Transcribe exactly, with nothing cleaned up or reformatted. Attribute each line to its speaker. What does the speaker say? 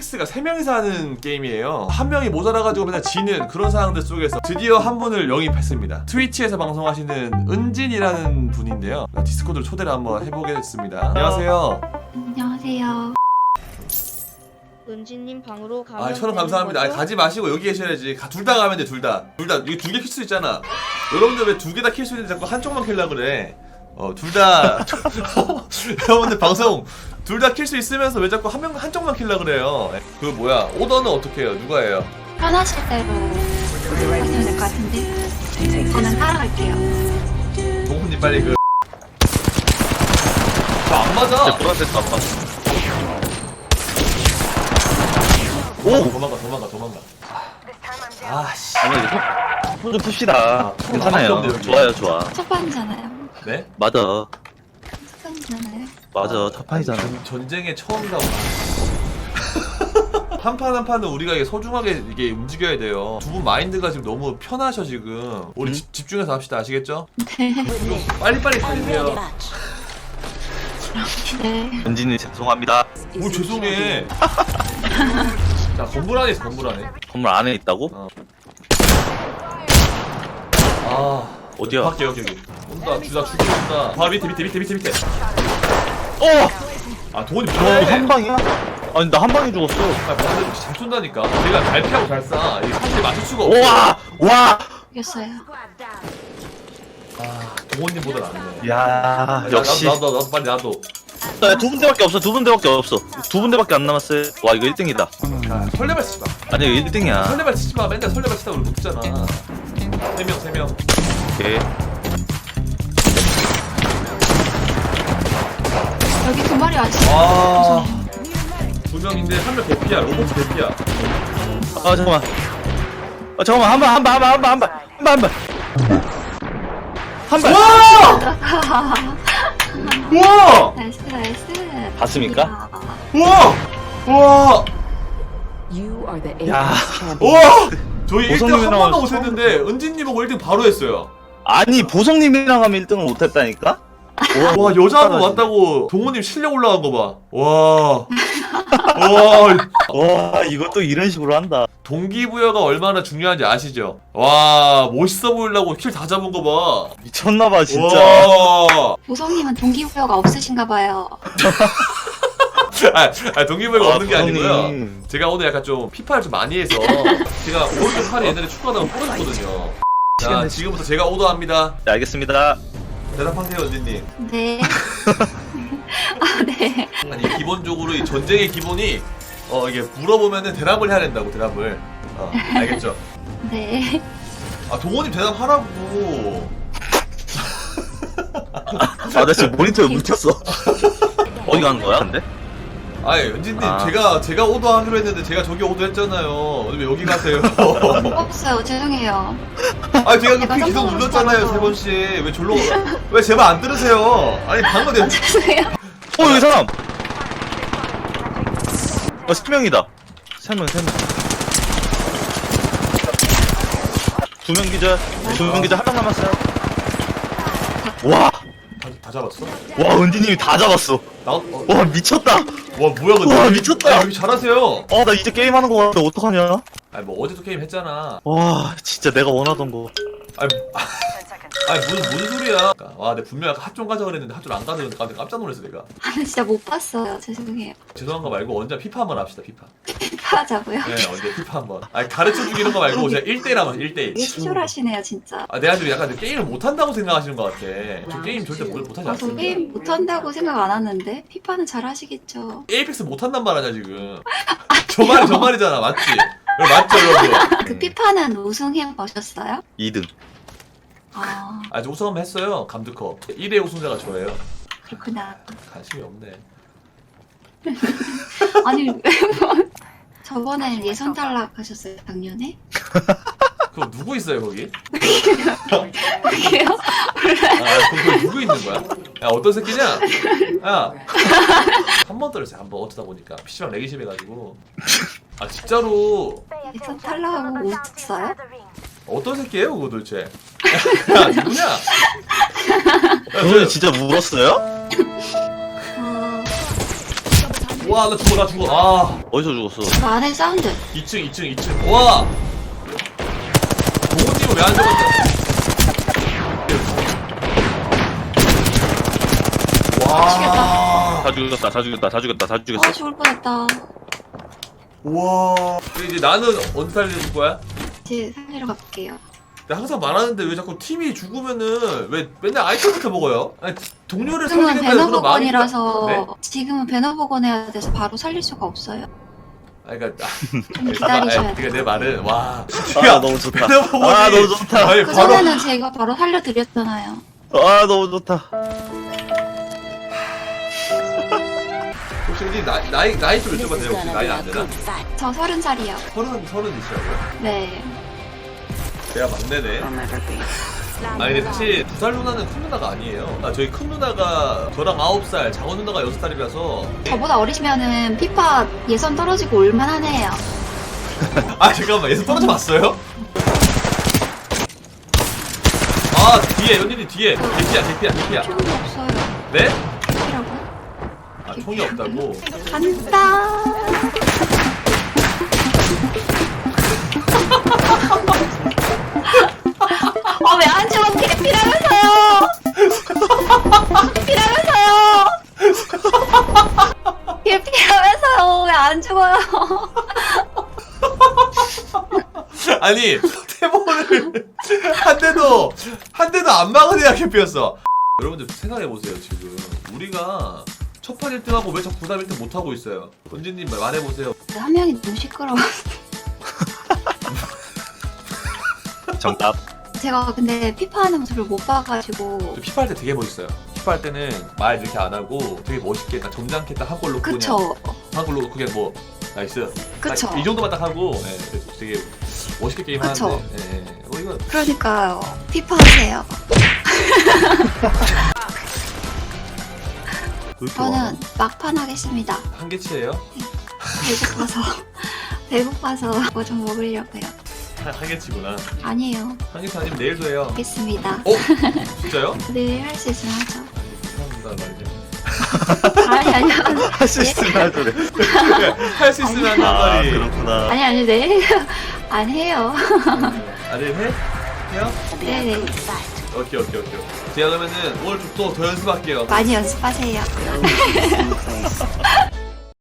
Speaker 1: 텍스가 세 명이서 하는 게임이에요. 한 명이 모자라가지고 맨날 지는 그런 상황들 속에서 드디어 한 분을 영입했습니다. 트위치에서 방송하시는 은진이라는 분인데요. 디스코드로 초대를 한번 해보겠습니다. 안녕하세요.
Speaker 2: 안녕하세요.
Speaker 3: 은지님 방으로 가면
Speaker 1: 아, 천원 감사합니다. 아니, 가지 마시고 여기 계셔야지. 둘 다 가면 돼, 둘 다. 둘 다. 이거 두 개 킬 수 있잖아. 여러분들 왜 두 개 다 킬 수 있는데 자꾸 한쪽만 킬려고 그래. 어, 둘 다. 여러분들 방송 둘 다 킬 수 있으면서 왜 자꾸 한 명, 한쪽만 킬려고 그래요. 그 뭐야, 오더는 어떻게 해요? 누가 해요?
Speaker 2: 편하실 대로 하시면 될 것 같은데 저는 따라갈게요.
Speaker 1: 동훈님 빨리 그. 저 안 맞아.
Speaker 4: 보라색 안 맞아.
Speaker 1: 오! 도망가, 도망가, 도망가. 아씨.
Speaker 4: 아니 손 좀 풉시다.
Speaker 1: 아,
Speaker 4: 괜찮아요.
Speaker 1: 손 나밖에
Speaker 4: 좋아요, 좋아.
Speaker 2: 첫 판이잖아요.
Speaker 1: 네?
Speaker 4: 맞아,
Speaker 2: 첫 판이잖아요.
Speaker 4: 맞아. 첫 판이잖아.
Speaker 1: 전, 전쟁의 처음이다. 한 판 한 판은 우리가 이게 소중하게 이게 움직여야 돼요. 두 분 마인드가 지금 너무 편하셔 지금. 우리
Speaker 4: 음?
Speaker 1: 집, 집중해서 합시다. 아시겠죠?
Speaker 2: 네.
Speaker 1: 빨리빨리 살리세요.
Speaker 2: 네.
Speaker 4: 은진이 죄송합니다.
Speaker 1: 오 죄송해. 자 건물 안에 있어 건물 안에.
Speaker 4: 건물 안에 있다고?
Speaker 1: 어. 아
Speaker 4: 어디야?
Speaker 1: 밖에 여기 여기. 온다. 둘다 죽이고 온다. 바로 밑에 밑에 밑에 밑에 밑에.
Speaker 4: 어!
Speaker 1: 아 돈이
Speaker 4: 어,
Speaker 1: 뭐야?
Speaker 4: 한 방이야? 아니 나 한 방에 죽었어.
Speaker 1: 아 근데 잘 쏜다니까. 제가 잘 피하고 잘 쏴. 이게 사실 맞출 수가 없어.
Speaker 4: 와! 와!
Speaker 2: 이겼어요.
Speaker 1: 아 동원님보다 낫네.
Speaker 4: 야, 역시.
Speaker 1: 나도 나도 나도 빨리 나도.
Speaker 4: 두 군데밖에 없어. 두 군데밖에 없어. 두 군데밖에 안 남았어요. 와, 이거 일 등이다.
Speaker 1: 자 설레발 치지 마.
Speaker 4: 아니, 이거 일 등이야.
Speaker 1: 설레발 치지 마. 맨날 설레발 치다 우리 못했잖아. 세 명, 세 명.
Speaker 4: 오케이.
Speaker 2: 여기 두 마리 아직.
Speaker 1: 아, 두 명인데 한 명 대피야. 로봇 대피야.
Speaker 4: 아, 잠깐만. 아, 잠깐만. 한 방, 한 방, 한 방, 한 방, 한 방, 한 방, 한 방. 한 방.
Speaker 1: 와! 와!
Speaker 2: 나이스 나이스.
Speaker 4: 봤습니까?
Speaker 1: 와! 와!
Speaker 5: You are the
Speaker 4: 야.
Speaker 5: Apex champion.
Speaker 1: 와! 저희 일 등 한
Speaker 4: 보성님이랑
Speaker 1: 번도 못했는데 은진님 보고 일 등 바로 했어요.
Speaker 4: 아니, 보성님이랑 하면 일 등을 못했다니까?
Speaker 1: 와 여자 한 번 왔다고 동호님 실력 올라간 거 봐. 와. 와.
Speaker 4: 와, 이것도 이런 식으로 한다.
Speaker 1: 동기부여가 얼마나 중요한지 아시죠? 와 멋있어 보이려고 킬 다 잡은 거 봐.
Speaker 4: 미쳤나봐, 진짜.
Speaker 1: 와.
Speaker 2: 보성님은 동기부여가 없으신가 봐요.
Speaker 1: 아, 아 동기부여가
Speaker 4: 아,
Speaker 1: 없는 게
Speaker 4: 보성님.
Speaker 1: 아니고요. 제가 오늘 약간 좀 피파를 좀 많이 해서 제가 오른쪽 팔이 옛날에 축구하다가 부러졌거든요. 자 지금부터 제가 오더합니다.
Speaker 4: 네, 알겠습니다.
Speaker 1: 대답하세요 은진님.
Speaker 2: 네. 아 네.
Speaker 1: 아니 기본적으로 이 전쟁의 기본이 어 이게 물어보면은 대답을 해야 된다고 대답을. 어 알겠죠?
Speaker 2: 네.
Speaker 1: 아 동원님 대답하라고.
Speaker 4: 아, 나 지금 모니터에 묻혔어. 어디 가는 거야, 근데?
Speaker 1: 아니 은진님
Speaker 4: 아.
Speaker 1: 제가 제가 오더하기로 했는데 제가 저기 오더했잖아요. 왜 여기 가세요?
Speaker 2: 없어요. 죄송해요.
Speaker 1: 아니 제가
Speaker 2: 제가
Speaker 1: 그 기둥
Speaker 2: 깜짝
Speaker 1: 눌렀잖아요
Speaker 2: 놀랐어.
Speaker 1: 세 번씩. 왜 졸로 왜 제 말 안 들으세요? 아니 방금 내가
Speaker 2: 죄송해요.
Speaker 4: 어, 여기 사람! 어, 세 명이다. 세 명, 세 명. 두 명 기절, 두 명 기절, 한 명 남았어요. 와,
Speaker 1: 다, 다 잡았어?
Speaker 4: 와, 은지님이 다 잡았어.
Speaker 1: 나 어,
Speaker 4: 와, 미쳤다.
Speaker 1: 와 뭐야 근데
Speaker 4: 와, 미쳤다.
Speaker 1: 아니, 여기 잘하세요.
Speaker 4: 어, 나 이제 게임하는 거 같아. 어떡하냐?
Speaker 1: 아니 뭐 어제도 게임 했잖아.
Speaker 4: 와, 진짜 내가 원하던 거.
Speaker 1: 아니 아니 무슨 무슨 소리야? 와 내가 분명 아까 핫좀 가자 그랬는데 핫좀 안 가자 그러니까 깜짝 놀랐어 내가.
Speaker 2: 아 진짜 못 봤어요. 죄송해요.
Speaker 1: 죄송한 거 말고 언제 피파 한번 합시다 피파.
Speaker 2: 하자고요.
Speaker 1: 네 언제 피파 한번. 아니 가르쳐 주기는 거 말고 제가 일 대일 하면 일 대일.
Speaker 2: 치졸하시네요 진짜.
Speaker 1: 아 내가 지금 약간 게임을 못한다고 생각하시는 것 같아. 저 게임 절대 못, 못하지
Speaker 2: 아, 저
Speaker 1: 않습니다.
Speaker 2: 게임 못한다고 생각 안 하는데 피파는 잘 하시겠죠.
Speaker 1: 에이펙스 못한단 말 아니야 지금. 저 말이 저 말이잖아 맞지? 그래, 맞죠 여러분?
Speaker 2: 그 피파는 우승해 보셨어요?
Speaker 4: 이 등.
Speaker 2: 아
Speaker 1: 아직 우승 한번 했어요 감드컵. 일 회 우승자가 저예요.
Speaker 2: 그렇구나.
Speaker 1: 관심이 없네.
Speaker 2: 아니 저번에 예선 탈락하셨어요 작년에?
Speaker 1: 그거 누구 있어요 거기?
Speaker 2: 그게요?
Speaker 1: 아 거기 누구 있는 거야? 야 어떤 새끼냐? 야 한 번 떨었어요 한 번 어쩌다 보니까 피씨방 렉이 심해가지고. 아 진짜로
Speaker 2: 예선 탈락하고 웃었어요?
Speaker 1: 어떤 새끼예요 그거 도대체? 야 누구냐? 야,
Speaker 4: 그분이 진짜 물었어요?
Speaker 2: 어...
Speaker 1: 와, 나 죽어, 나 죽어. 아,
Speaker 4: 어디서 죽었어?
Speaker 2: 그 안에 사운드.
Speaker 1: 이 층, 이 층, 이 층. 와! 동훈님은 왜 안 죽었어? 와!
Speaker 4: 다 죽였다, 다 죽였다, 다 죽였다, 다 죽였어.
Speaker 2: 아 죽을 뻔했다.
Speaker 1: 와. 근데 이제 나는 언제 살려줄 거야?
Speaker 2: 이제 살리러 갈게요.
Speaker 1: 내가 항상 말하는데 왜 자꾸 팀이 죽으면은 왜 맨날 아이템부터 먹어요? 아니, 동료를
Speaker 2: 지금은
Speaker 1: 살리겠다는 그런 마음이
Speaker 2: 배너복원이라서
Speaker 1: 네?
Speaker 2: 지금은 배너복원 해야 돼서 바로 살릴 수가 없어요.
Speaker 1: 아, 그러니까
Speaker 2: 좀 기다리셔야
Speaker 1: 아, 그러니까 내 말은 와.
Speaker 4: 아, 너무 좋다.
Speaker 1: 배너복원이-
Speaker 4: 아, 너무 좋다.
Speaker 1: 아니,
Speaker 2: 그
Speaker 1: 바로
Speaker 2: 전에는 제가 바로 살려드렸잖아요.
Speaker 4: 아, 너무 좋다.
Speaker 1: 혹시 우리 나이 나이 나이 좀 여쭤봐도 돼요? 혹시 나이 안 되나?
Speaker 2: 저 서른 살이요.
Speaker 1: 서른 서른이시라고요?
Speaker 2: 네.
Speaker 1: 내가 막내네. 아니 근데 사실 두 살 누나는 큰 누나가 아니에요. 아, 저희 큰 누나가 저랑 아홉 살, 작은 누나가 여섯 살이라서.
Speaker 2: 저보다 어리시면은 피파 예선 떨어지고 올만하네요.
Speaker 1: 아 잠깐만, 예선 떨어져 봤어요? 아 뒤에 연인이 뒤에 개피야 개피야 개피야.
Speaker 2: 총이 없어요.
Speaker 1: 네?
Speaker 2: 이라고?
Speaker 1: 아 총이 없다고?
Speaker 2: 간다. 어, 왜 안 죽어? 개피라면서요! 개피라면서요! 개피라면서요! 왜 안 죽어요?
Speaker 1: 아니 태모를 한 대도 한 대도 안 막은 애가 개피였어. 여러분들 생각해 보세요. 지금 우리가 첫판 일 등하고 왜 자꾸 구삼 일 등 못 하고 있어요? 은지님 말해 보세요.
Speaker 2: 한 명이 너무 시끄러워.
Speaker 4: 정답.
Speaker 2: 제가 근데 피파 하는 모습을 못 봐가지고.
Speaker 1: 피파 할 때 되게 멋있어요. 피파 할 때는 말 이렇게 안 하고 되게 멋있게 딱 점잖게 딱 한 골 넣고
Speaker 2: 그쵸?
Speaker 1: 그냥 한 골 넣고 그냥 뭐 나이스.
Speaker 2: 그쵸?
Speaker 1: 딱 이 정도만 딱 하고 예, 그래서 되게 멋있게 게임
Speaker 2: 그쵸?
Speaker 1: 하는데. 예, 예. 어 이거
Speaker 2: 그러니까요. 피파 하세요. 저는 막판 하겠습니다.
Speaker 1: 한계치예요?
Speaker 2: 배고파서. 배고파서 뭐 좀 먹으려고요.
Speaker 1: 한, 한계치구나.
Speaker 2: 아니에요.
Speaker 1: 한계치 아니면 내일도 해요.
Speaker 2: 알겠습니다.
Speaker 1: 어? 진짜요?
Speaker 2: 내일 할 수 있으면 하죠.
Speaker 1: 감사합니다 말이야.
Speaker 2: 아니, 아니, 아니.
Speaker 4: 할 수 있으면 그래.
Speaker 1: 할 수 있으면 한단
Speaker 4: 아,
Speaker 1: 말이.
Speaker 4: 그렇구나.
Speaker 2: 아니, 아니, 내일 안 해요.
Speaker 1: 아니 해? 해요?
Speaker 2: 네네.
Speaker 1: 오케이 오케이 오케이. 제가 그러면은 오늘 좀 또 더 연습할게요.
Speaker 2: 많이 연습하세요.